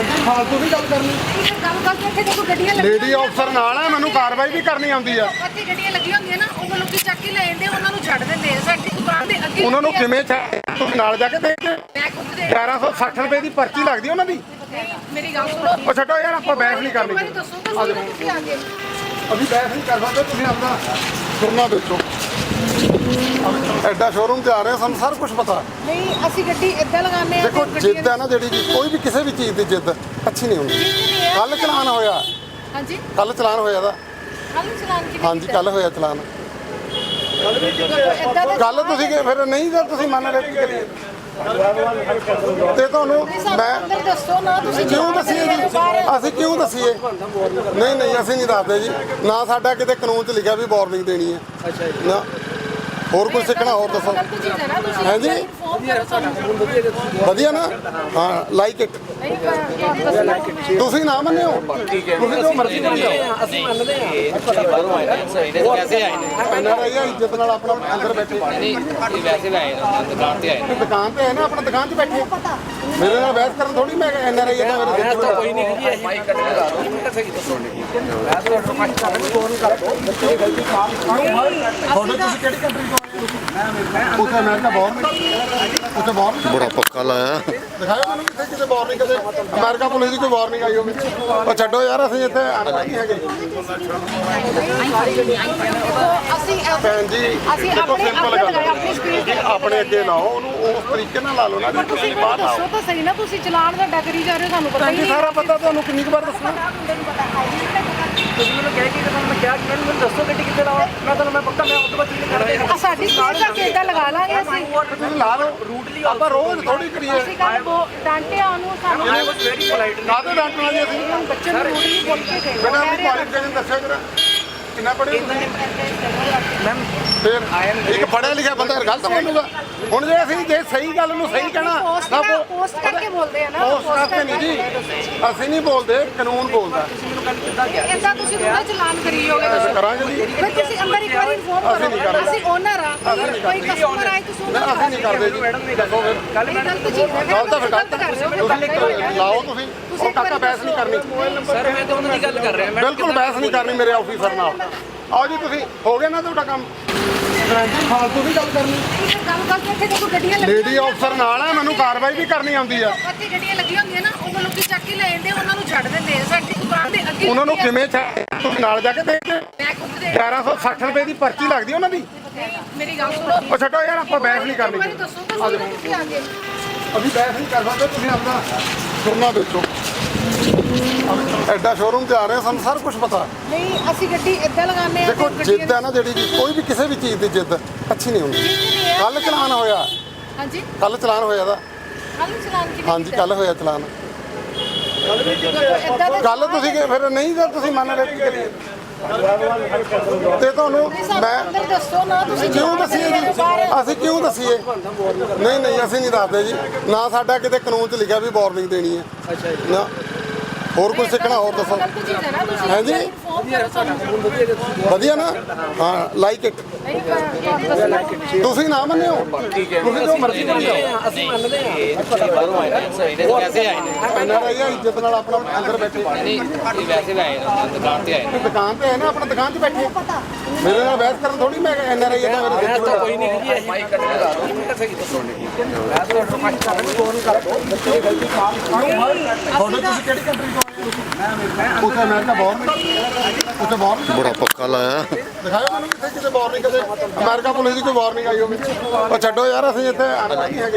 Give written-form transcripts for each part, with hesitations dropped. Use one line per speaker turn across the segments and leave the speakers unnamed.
फालतू भी गल करनी लेडी अफसर नाल है मैनू कार्रवाई भी करनी आउंदी आ उन्होंने किवें नाल जाके देख के 1160 रुपए की पर्ची लगती है उन्होंने
मेरी गल सुनो
ਉਹ ਛੱਡੋ ਯਾਰ ਆਪਾਂ ਬਹਿਸ ਨਹੀਂ ਕਰਨੀ
अभी
ਬਹਿਸ ਨਹੀਂ ਕਰ ਸਕਦੇ ਤੁਸੀਂ ਆਪਣਾ ਸੁਣਨਾ ਦੇਖੋ ਐਡਾ ਸ਼ੋਰੂਮ ਤੇ ਆ ਰਹੇ ਸਾਨੂੰ ਸਾਰਾ ਕੁਝ ਪਤਾ
नहीं ਅਸੀਂ ਗੱਡੀ ਇੱਦਾਂ ਲਗਾਉਂਦੇ ਆ
ਦੇਖੋ ਜਿੱਦ ਹੈ ਨਾ ਜਿਹੜੀ ਕੋਈ ਵੀ ਕਿਸੇ ਵੀ ਚੀਜ਼ ਦੀ ਜਿੱਦ ਅੱਛੀ ਨਹੀਂ ਹੁੰਦੀ ਕੱਲ ਚਲਾਨ ਹੋਇਆ
ਹਾਂਜੀ
ਕੱਲ ਚਲਾਨ ਹੋਇਆ ਦਾ
ਕੱਲ ਚਲਾਨ ਕਿਵੇਂ
ਹਾਂਜੀ ਕੱਲ ਹੋਇਆ ਚਲਾਨ ਕੱਲ ਤੁਸੀਂ ਫਿਰ ਨਹੀਂ ਤਾਂ ਤੁਸੀਂ ਮੰਨ ਰਹੇ ਕੀ ਕਰੀਏ ਤੇ ਤੁਹਾਨੂੰ ਮੈਂ
ਅੰਦਰ ਦੱਸੋ ਨਾ ਤੁਸੀਂ
ਕਿਉਂ ਦਸੀਏ ਜੀ ਅਸੀਂ ਕਿਉਂ ਦਸੀਏ ਨਹੀਂ ਨਹੀਂ ਅਸੀਂ ਨਹੀਂ ਦੱਸਦੇ ਜੀ ਨਾ ਸਾਡਾ ਕਿਤੇ ਕਾਨੂੰਨ 'ਚ ਲਿਖਿਆ ਵੀ ਵਾਰਨਿੰਗ ਦੇਣੀ ਹੈ ਅੱਛਾ ਜੀ ਨਾ ਹੋਰ ਕੁਝ ਸਿੱਖਣਾ ਹੋਰ ਦੱਸੋ ਹੈ ਜੀ ਵਧੀਆ ਨਾ ਹਾਂ ਲਾਈਕ ਇਟ ਤੁਸੀਂ ਨਾ ਮੰਨਿਓ ਤੁਸੀਂ ਜੋ ਮਰਜ਼ੀ ਕਰੀ ਜਾਓ
ਅਸੀਂ ਮੰਨਦੇ ਹਾਂ ਬਾਹਰੋਂ ਆਏ ਨੇ ਸਹੀ ਨੇ ਵੈਸੇ ਆਏ ਨੇ
ਇਹਨਾਂ ਦਾ ਇਹ ਇੱਜ਼ਤ ਨਾਲ ਆਪਣਾ ਅੰਦਰ ਬੈਠੇ
ਨਹੀਂ ਵੈਸੇ ਆਏ ਨੇ ਦੁਕਾਨ ਤੇ ਆਏ ਨੇ
ਦੁਕਾਨ ਤੇ ਹੈ ਨਾ ਆਪਣਾ ਦੁਕਾਨ 'ਚ ਬੈਠੇ ਮੇਰੇ ਨਾਲ ਬਹਿਸ ਕਰਨ ਥੋੜੀ ਮੈਂ ਐਨਆਰ ਆਈ ਹੈ ਮੇਰੇ
ਤਾਂ ਕੋਈ ਨਹੀਂ ਜੀ ਇਹ ਮਾਈਕ ਕੱਟ ਕੇ ਲਾ ਦੋ ਮਿੰਟ ਸਹੀ ਦੱਸੋ ਨਹੀਂ ਮੈਂ ਤਾਂ ਰਿਕਵੈਸਟ ਕਰ ਰਿਹਾ ਫੋਨ ਕਰ ਦੋ ਬੱਚੇ ਗਲਤੀ ਮਾਫ
ਤੁਹਾਡੇ ਤੁਸੀਂ ਕਿਹੜੀ ਕੰਟਰੀ ਤੋਂ ਉੱਥੇ ਅਮਰੀਕਾ ਉੱਥੇ
ਬੜਾ ਪੱਕਾ ਲਾਇਆ
ਦਿਖਾਓ ਮੈਨੂੰ ਕਿੱਥੇ ਕਿਤੇ ਵਾਰਨਿੰਗ ਕਦੇ ਅਮਰੀਕਾ ਪੁਲਿਸ ਦੀ ਕੋਈ ਵਾਰਨਿੰਗ ਆਈ ਹੋਵੇ ਉਹ ਛੱਡੋ ਯਾਰ ਅਸੀਂ ਇੱਥੇ ਨਹੀਂ ਹੈਗੇ ਭੈਣ ਜੀ ਦੇਖੋ ਸਿੰਪਲ ਗੱਲ ਆਪਣੇ ਅੱਗੇ ਲਾਓ ਉਹਨੂੰ ਉਸ ਤਰੀਕੇ ਨਾਲ ਲਾ ਲਓ ਨਾ ਜੀ ਤੁਸੀਂ ਬਾਹਰ ਆਓ
ਦੱਸੋ ਤਾਂ ਸਹੀ ਨਾ ਤੁਸੀਂ ਚਲਾਨ ਦਾ ਡਗਰੀ ਜਾ ਰਹੇ ਹੋ ਸਾਨੂੰ ਪਤਾ
ਭੈਣ ਜੀ ਸਾਰਾ ਪਤਾ ਤੁਹਾਨੂੰ ਕਿੰਨੀ ਕੁ ਵਾਰ ਦੱਸਣਾ
ਤੁਸੀਂ ਮੈਨੂੰ ਕਹਿ ਕੇ ਤੁਹਾਨੂੰ ਮੈਂ ਕਿਹਾ ਕਿ ਮੈਨੂੰ ਦੱਸੋ ਗੱਡੀ ਕਿੱਥੇ ਲਾਓ ਮੈਂ ਤੁਹਾਨੂੰ ਮੈਂ ਪੱਕਾ ਮੈਂ ਉਸ ਤੋਂ ਬਾਅਦ ਚੀਜ਼ ਕਰ ਦੇਗਾ
ਸਾਡੀ ਸਪੀਡ ਦਾ ਕੇਡਾ ਲਗਾ ਲਾਂਗੇ ਅਸੀਂ
ਤੁਸੀਂ ਲਾ ਲਓ ਰੂਟਲੀ ਆਪਾਂ ਰੋਜ਼ ਥੋੜੀ ਕਰੀਏ
ਅਸੀਂ ਕੱਲ ਡਾਂਟਿਆ ਉਹਨੂੰ ਸਾਨੂੰ
ਵੈਰੀ ਪੋਲਾਈਟ
ਕਾਹਦੇ ਡਾਂਟਣਾ ਜੀ ਅਸੀਂ
ਬੱਚੇ ਨੂੰ ਰੂਟਲੀ ਬੋਲ ਕੇ ਗਏ
ਬਿਨਾਂ ਆਪਣੀ ਕੁਆਲੀਫਿਕੇਸ਼ਨ ਦੱਸਿਆ ਜਰਾ ਕਿੰਨਾ ਪੜ੍ਹੇ
ਮੈਮ
ਫਿਰ ਇੱਕ ਪੜ੍ਹਿਆ ਲਿਖਿਆ ਬੰਦਾ ਗਲਤ ਬੋਲੂਗਾ ਹੁਣ ਜੇ ਅਸੀਂ ਜੇ ਸਹੀ ਗੱਲ ਨੂੰ ਸਹੀ ਕਹਿਣਾ ਤਾਂ
ਪੋਸਟ ਕਰਕੇ ਬੋਲਦੇ ਆ ਨਾ
ਉਸ ਕਰਕੇ ਨਹੀਂ ਜੀ ਅਸੀਂ ਨਹੀਂ ਬੋਲਦੇ ਕਾਨੂੰਨ ਬੋਲਦਾ
ਇਦਾਂ ਤੁਸੀਂ ਪੂਰਾ ਚਲਾਨ ਕਰੀ ਜਾਓਗੇ
ਅਸੀਂ ਕਰਾਂਗੇ ਜੀ
ਫਿਰ ਤੁਸੀਂ ਅੰਦਰ ਇੱਕ ਵਾਰੀ ਇਨਫੋਰਮ ਕਰੋ ਅਸੀਂ ਓਨਰ ਆ ਕੋਈ ਕਸਟਮਰ ਆਏ ਤੁਸੀਂ
ਅਸੀਂ ਨਹੀਂ ਕਰਦੇ ਜੀ ਦੱਸੋ ਫਿਰ
ਕੱਲ ਗਲਤ ਚੀਜ਼ ਹੈ
ਗਲਤ ਤਾਂ ਫਿਰ ਗਲਤ ਤੁਸੀਂ ਲਾਓ ਤੁਸੀਂ ਉਹ ਕਾਕਾ ਬਹਿਸ ਨਹੀਂ ਕਰਨੀ
ਸਰ ਮੈਂ ਤਾਂ ਉਹਨਾਂ ਦੀ ਗੱਲ ਕਰ ਰਿਹਾ ਮੈਂ
ਬਿਲਕੁਲ ਬਹਿਸ ਨਹੀਂ ਕਰਨੀ ਮੇਰੇ ਆਫੀਸਰ ਨਾਲ ਆਓ ਜੀ ਤੁਸੀਂ ਹੋ ਗਿਆ ਨਾ ਤੁਹਾਡਾ ਕੰਮ ਫਾਲਤੂ ਵੀ ਗੱਲ ਕਰਨੀ
ਗੱਲ ਕਰਕੇ ਇੱਥੇ ਦੇਖੋ ਗੱਡੀਆਂ
ਲੇਡੀ ਅਫਸਰ ਨਾਲ ਹੈ ਮੈਨੂੰ ਕਾਰਵਾਈ ਵੀ ਕਰਨੀ ਆਉਂਦੀ ਆ
ਉੱਥੇ ਗੱਡੀਆਂ ਲੱਗੀਆਂ ਹੁੰਦੀਆਂ ਨਾ ਉਹ ਲੋਕੀ ਚੱਕ ਕੇ ਲੈ ਜਾਂਦੇ ਉਹਨਾਂ ਨੂੰ ਛੱਡ ਦਿੰਦੇ ਆ ਸਾਡੀ ਦੁਕਾਨ ਦੇ ਅੱਗੇ
ਉਹਨਾਂ ਨੂੰ ਕਿਵੇਂ ਤੁਸੀਂ ਨਾਲ ਜਾ ਕੇ ਦੇਖ ਕੇ
ਮੈਂ ਖੁਦ ਦੇ
1160 ਰੁਪਏ ਦੀ ਪਰਚੀ ਲੱਗਦੀ ਉਹਨਾਂ ਦੀ
ਮੇਰੀ ਗੱਲ ਸੁਣੋ
ਉਹ ਛੱਡੋ ਯਾਰ ਆਪਾਂ ਬਹਿਸ ਨਹੀਂ ਕਰਨੀ
ਮੈਨੂੰ ਦੱਸੋ ਤਾਂ ਸਹੀ ਨਾ ਤੁਸੀਂ ਆ ਗਏ
ਅਸੀਂ ਬਹਿਸ ਨਹੀਂ ਕਰ ਸਕਦੇ ਤੁਸੀਂ ਆਪਣਾ ਸੁਣਨਾ ਦੇਖੋ ਐਡਾ ਸ਼ੋਰੂਮ ਤੇ ਆ ਰਹੇ ਸਾਨੂੰ ਸਾਰਾ ਕੁਝ ਪਤਾ
ਨਹੀਂ ਅਸੀਂ ਗੱਡੀ ਇੱਦਾਂ ਲਗਾਉਂਦੇ ਆ
ਦੇਖੋ ਜਿੱਦ ਹੈ ਨਾ ਜਿਹੜੀ ਕੋਈ ਵੀ ਕਿਸੇ ਵੀ ਚੀਜ਼ ਦੀ ਜਿੱਦ ਅੱਛੀ ਨਹੀਂ ਹੁੰਦੀ ਕੱਲ ਚਲਾਨ ਹੋਇਆ
ਹਾਂਜੀ
ਕੱਲ ਚਲਾਨ ਹੋਇਆ ਦਾ
ਕੱਲ ਚਲਾਨ ਕਿਵੇਂ
ਹਾਂਜੀ ਕੱਲ ਹੋਇਆ ਚਲਾਨ ਕੱਲ ਤੁਸੀਂ ਫਿਰ ਨਹੀਂ ਤਾਂ ਤੁਸੀਂ ਮੰਨ ਰਹੇ ਕੀ ਕਰੀਏ ਤੇ ਤੁਹਾਨੂੰ ਮੈਂ
ਅੰਦਰ ਦੱਸੋ ਨਾ ਤੁਸੀਂ
ਕਿਉਂ ਦਸੀਏ ਜੀ ਅਸੀਂ ਕਿਉਂ ਦਸੀਏ ਨਹੀਂ ਨਹੀਂ ਅਸੀਂ ਨਹੀਂ ਦੱਸਦੇ ਜੀ ਨਾ ਸਾਡਾ ਕਿਤੇ ਕਾਨੂੰਨ 'ਚ ਲਿਖਿਆ ਵੀ ਵਾਰਨਿੰਗ ਦੇਣੀ ਹੈ ਅੱਛਾ ਜੀ ਨਾ ਹੋਰ ਕੁਝ ਸਿੱਖਣਾ ਹੋਰ ਦੱਸੋ
ਗਲਤ ਚੀਜ਼ ਹੈ ਨਾ ਤੁਸੀਂ
ਹੈ ਜੀ
ਇਨਫੋਰਮ ਕਰੋ ਸਾਨੂੰ
ਵਧੀਆ ਨਾ ਹਾਂ ਲਾਈਕ ਇਟ ਤੁਸੀਂ ਨਾ ਮੰਨਿਓ ਤੁਸੀਂ ਜੋ ਮਰਜ਼ੀ ਕਰੀ ਜਾਓ
ਅਸੀਂ ਮੰਨਦੇ ਹਾਂ ਬਾਹਰੋਂ ਆਏ ਨੇ ਸਹੀ ਨੇ ਵੈਸੇ ਆਏ ਨੇ
ਐਨਆਰ ਆਈ ਹੈ ਇੱਜ਼ਤ ਨਾਲ ਆਪਣਾ ਅੰਦਰ ਬੈਠੇ
ਨਹੀਂ ਵੈਸੇ ਆਏ ਨੇ ਦੁਕਾਨ ਤੇ ਆਏ ਨੇ
ਦੁਕਾਨ ਤੇ ਹੈ ਨਾ ਆਪਣਾ ਦੁਕਾਨ 'ਚ ਬੈਠੇ ਮੇਰੇ ਨਾਲ ਬਹਿਸ ਕਰਨ ਥੋੜੀ ਮੈਂ ਐਨਆਰ ਆਈ ਹੈ ਤਾਂ ਮੇਰੇ
ਤਾਂ ਕੋਈ ਨਹੀਂ ਜੀ ਇਹ ਮਾਈਕ ਕੱਟ ਕੇ ਲਾ ਦੋ ਮਿੰਟ ਸਹੀ ਦੱਸੋ ਨਹੀਂ ਮੈਂ ਤਾਂ ਰਿਕਵੈਸਟ ਕਰ ਰਿਹਾ ਫੋਨ ਕਰ ਦੋ ਬੱਚੇ ਗਲਤੀ ਮਾਫ
ਤੁਹਾਡੇ ਤੁਸੀਂ ਕਿਹੜੀ ਕੰਟਰੀ ਤੋਂ ਉੱਥੇ ਅਮਰੀਕਾ ਉੱਥੇ
ਬੜਾ ਪੱਕਾ ਲਾਇਆ
ਦਿਖਾਓ ਮੈਨੂੰ ਕਿੱਥੇ ਕਿਤੇ ਵਾਰਨਿੰਗ ਕਦੇ ਅਮਰੀਕਾ ਪੁਲਿਸ ਦੀ ਕੋਈ ਵਾਰਨਿੰਗ ਆਈ ਹੋਵੇ ਉਹ ਛੱਡੋ ਯਾਰ ਅਸੀਂ ਇੱਥੇ ਨਹੀਂ ਹੈਗੇ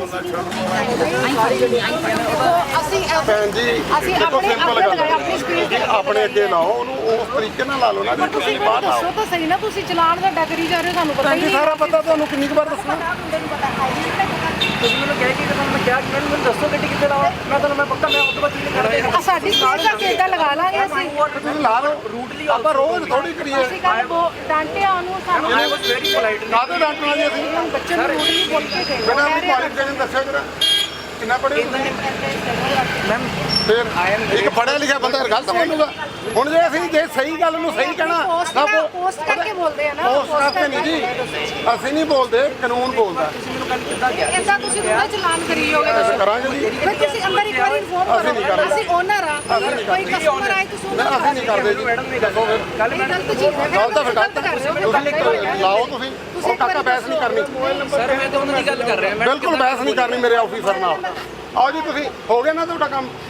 ਅਸੀਂ
ਭੈਣ ਜੀ
ਅਸੀਂ
ਦੇਖੋ
ਆਪਣੇ
ਸਿੰਪਲ
ਅੱਗੇ
ਗੱਲ
ਲਗਾਇਆ ਆਪਣੀ ਸਪੀਡ ਤੇ
ਆਪਣੇ ਅੱਗੇ ਲਾਓ ਉਹਨੂੰ ਉਸ ਤਰੀਕੇ ਨਾਲ ਲਾ ਲਓ ਨਾ ਜੀ ਤੁਸੀਂ ਬਾਹਰ ਆਓ
ਦੱਸੋ ਤਾਂ ਸਹੀ ਨਾ ਤੁਸੀਂ ਚਲਾਨ ਦਾ ਡਗਰੀ ਜਾ ਰਹੇ ਹੋ ਸਾਨੂੰ ਪਤਾ
ਭੈਣ ਜੀ ਸਾਰਾ ਪਤਾ ਤੁਹਾਨੂੰ ਕਿੰਨੀ ਕੁ ਵਾਰ ਦੱਸਣਾ
ਤੁਸੀਂ ਮੈਨੂੰ ਕਹਿ ਕੇ ਤੁਹਾਨੂੰ ਮੈਂ ਕਿਹਾ ਕਿ ਮੈਨੂੰ ਦੱਸੋ ਗੱਡੀ ਕਿੱਥੇ ਲਾਓ ਮੈਂ ਤੁਹਾਨੂੰ ਮੈਂ ਪੱਕਾ ਮੈਂ ਉਸ ਤੋਂ ਬਾਅਦ ਚੀਜ਼ ਕਰ ਦੇਗਾ
ਸਾਡੀ ਸਪੀਡ ਦਾ ਕੇਡਾ ਲਗਾ ਲਾਂਗੇ ਅਸੀਂ
ਤੁਸੀਂ ਲਾ ਲਓ ਰੂਟਲੀ ਆਪਾਂ ਰੋਜ਼ ਥੋੜੀ ਕਰੀਏ
ਅਸੀਂ ਕੱਲ ਡਾਂਟਿਆ ਉਹਨੂੰ ਸਾਨੂੰ
ਵੈਰੀ ਪੋਲਾਈਟ
ਕਾਹਦੇ ਡਾਂਟਣਾ ਜੀ ਅਸੀਂ
ਬੱਚੇ ਨੂੰ ਰੂਟਲੀ ਬੋਲ ਕੇ ਗਏ
ਬਿਨਾਂ ਆਪਣੀ ਕੁਆਲੀਫਿਕੇਸ਼ਨ ਦੱਸਿਆ ਜਰਾ ਕਿੰਨਾ ਪੜ੍ਹੇ
ਮੈਮ
ਫਿਰ ਇੱਕ ਪੜ੍ਹਿਆ ਲਿਖਿਆ ਬੰਦਾ ਗਲਤ ਬੋਲੂਗਾ। ਹੁਣ ਜੇ ਸਹੀ ਗੱਲ ਨੂੰ ਸਹੀ ਕਹਿਣਾ
ਪੋਸਟ ਕਰਕੇ ਬੋਲਦੇ ਆ ਨਾ
ਪੋਸਟ ਕਰਕੇ ਨਹੀਂ ਜੀ, ਅਸੀਂ ਨਹੀਂ ਬੋਲਦੇ, ਕਾਨੂੰਨ ਬੋਲਦਾ।
ਇਦਾਂ ਤੁਸੀਂ ਥੋੜਾ ਚਲਾਨ ਕਰੀ ਜਾਓਗੇ ਦੱਸੋ
ਕਰਾਂਗੇ ਜੀ,
ਫਿਰ ਤੁਸੀਂ ਅੰਦਰ ਇੱਕ ਵਾਰੀ ਇਨਫੋਰਮ
ਅਸੀਂ ਨਹੀਂ
ਕਰੋ
ਕਰਦੇ।
ਅਸੀਂ ਓਨਰ ਆ ਕੋਈ ਕਸਟਮਰ ਆਏ ਤੁਸੀਂ ਉਹਨਾਂ
ਅਸੀਂ ਨਹੀਂ ਕਰਦੇ ਜੀ। ਦੱਸੋ ਫਿਰ
ਕੱਲ
ਇਹ ਗਲਤ ਚੀਜ਼ ਹੈ
ਗਲਤ ਆ ਫਿਰ ਗਲਤ
ਕਰ ਰਹੇ ਹੋ
ਤੁਸੀਂ ਲਾਓ, ਤੁਸੀਂ ਉਹ ਕਾਕਾ ਬਹਿਸ ਨਹੀਂ ਕਰਨੀ,
ਸਰ ਮੈਂ ਤਾਂ ਉਹਨਾਂ ਦੀ ਗੱਲ ਕਰ ਰਿਹਾ ਮੈਂ
ਬਿਲਕੁਲ ਬਹਿਸ ਨਹੀਂ ਕਰਨੀ ਮੇਰੇ ਆਫੀਸਰ ਨਾਲ। ਆਓ ਜੀ ਤੁਸੀਂ ਹੋ ਗਿਆ ਨਾ ਤੁਹਾਡਾ ਕੰਮ,